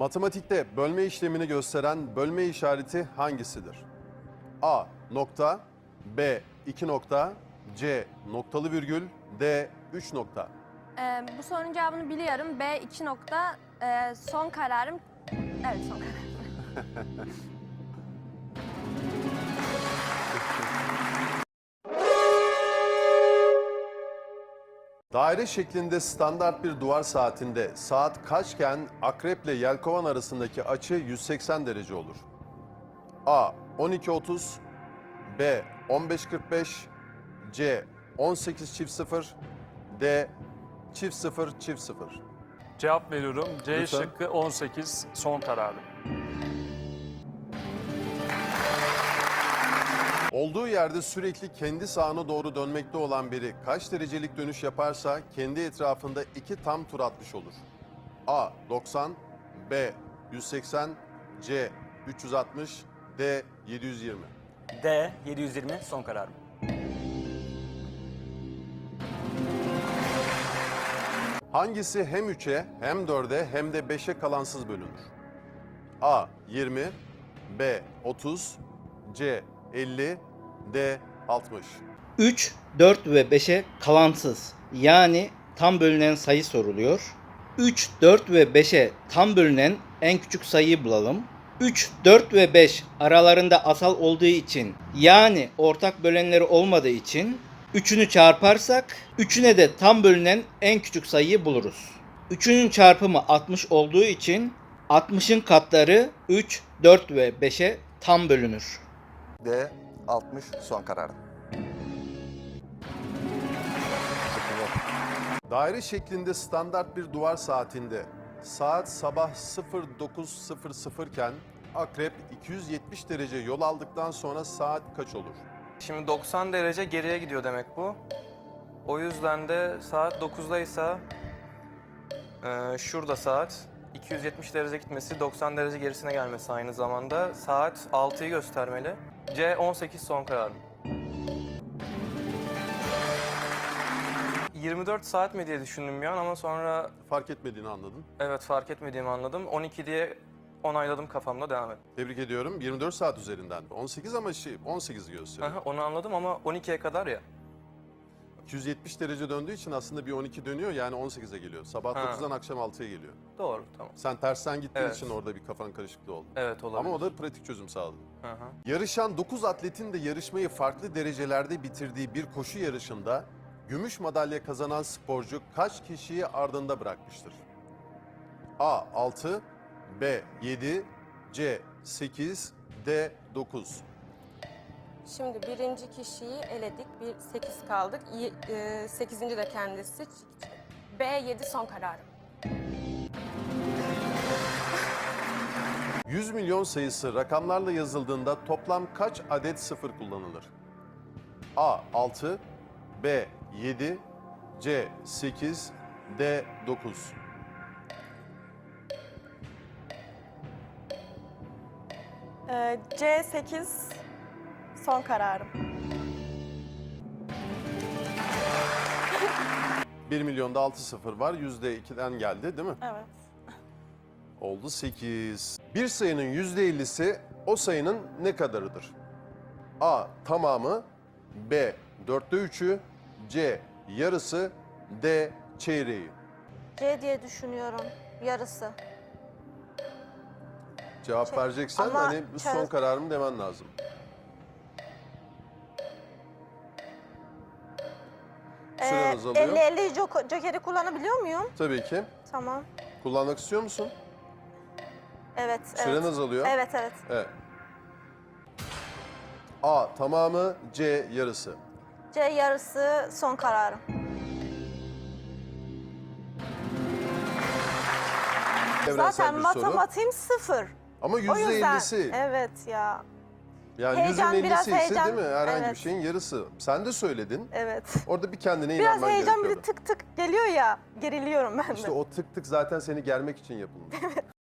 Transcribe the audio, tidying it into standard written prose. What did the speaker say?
Matematikte bölme işlemini gösteren bölme işareti hangisidir? A. Nokta. B. 2 nokta. C. Noktalı virgül. D. 3 nokta. Bu sorunun cevabını biliyorum. B 2 nokta. Son kararım. Evet, son kararım. Daire şeklinde standart bir duvar saatinde saat kaçken akreple yelkovan arasındaki açı 180 derece olur? A. 12.30. B. 15.45. C. 18 çift 0. D. Çift 0 çift 0. Cevap veriyorum. C Lütfen. şıkkı 18 son kararım. Olduğu yerde sürekli kendi sağına doğru dönmekte olan biri kaç derecelik dönüş yaparsa kendi etrafında 2 tam tur atmış olur? A. 90. B. 180. C. 360. D. 720. D 720 son kararım. Hangisi hem 3'e hem 4'e hem de 5'e kalansız bölünür? A. 20. B. 30. C. 50. D. 60. 3, 4 ve 5'e kalansız yani tam bölünen sayı soruluyor. 3, 4 ve 5'e tam bölünen en küçük sayıyı bulalım. 3, 4 ve 5 aralarında asal olduğu için yani ortak bölenleri olmadığı için 3'ünü çarparsak 3'üne de tam bölünen en küçük sayıyı buluruz. 3'ünün çarpımı 60 olduğu için 60'ın katları 3, 4 ve 5'e tam bölünür. D 60 son kararım. Daire şeklinde standart bir duvar saatinde saat sabah 09.00 iken akrep 270 derece yol aldıktan sonra saat kaç olur? Şimdi 90 derece geriye gidiyor demek bu. O yüzden de saat 9'daysa şurada saat 270 derece gitmesi 90 derece gerisine gelmesi aynı zamanda. Saat 6'yı göstermeli. C 18 son kararım. 24 saat mi diye düşündüm bir an ama sonra Fark etmediğini anladın. evet fark etmediğimi anladım. 12 diye onayladım kafamda, devam et. Tebrik ediyorum. 24 saat üzerinden. 18 ama 18 gösteriyor. Aha, onu anladım ama 12'ye kadar ya. 270 derece döndüğü için aslında bir 12 dönüyor yani 18'e geliyor. Sabah Ha. 9'dan akşam 6'ya geliyor. Doğru, tamam. Sen tersten gittiğin Evet. için orada bir kafan karışıklığı oldu. Evet, olabilir. Ama o da pratik çözüm sağladı. Hı hı. Yarışan 9 atletin de yarışmayı farklı derecelerde bitirdiği bir koşu yarışında gümüş madalya kazanan sporcu kaç kişiyi ardında bırakmıştır? A. 6. B. 7. C. 8. D. 9. Şimdi birinci kişiyi eledik. 8 kaldık. 8. de kendisi. B 7 son kararım. 100 milyon sayısı rakamlarla yazıldığında toplam kaç adet sıfır kullanılır? A. 6. B. 7. C. 8. D. 9. C 8 son kararım. 1 milyonda 6 sıfır var. %2'den geldi değil mi? Evet. Oldu 8. Bir sayının %50'si o sayının ne kadarıdır? A. Tamamı. B. 4'te 3'ü. C. Yarısı. D. Çeyreği. C diye düşünüyorum. Yarısı. Cevap vereceksen ama hani bu son kararım demen lazım. Süren azalıyor. 50-50 jokeri kullanabiliyor muyum? Tabii ki. Tamam. Kullanmak istiyor musun? Evet. Süren evet. azalıyor. Evet, evet. Evet. A. Tamamı. C. Yarısı. C yarısı son kararım. Evrensel Zaten bir soru. matematiğim 0. Ama O yüzden %50'si. evet ya. Yani Heyecan, 100'ün biraz 50'si ise heyecan. değil mi? Herhangi bir Evet. şeyin yarısı. Sen de söyledin. Evet. Orada bir kendine Biraz inanman heyecan, bir gerekiyordu. de tık tık geliyor ya. Geriliyorum ben de. İşte o tık tık zaten seni germek için yapılmış.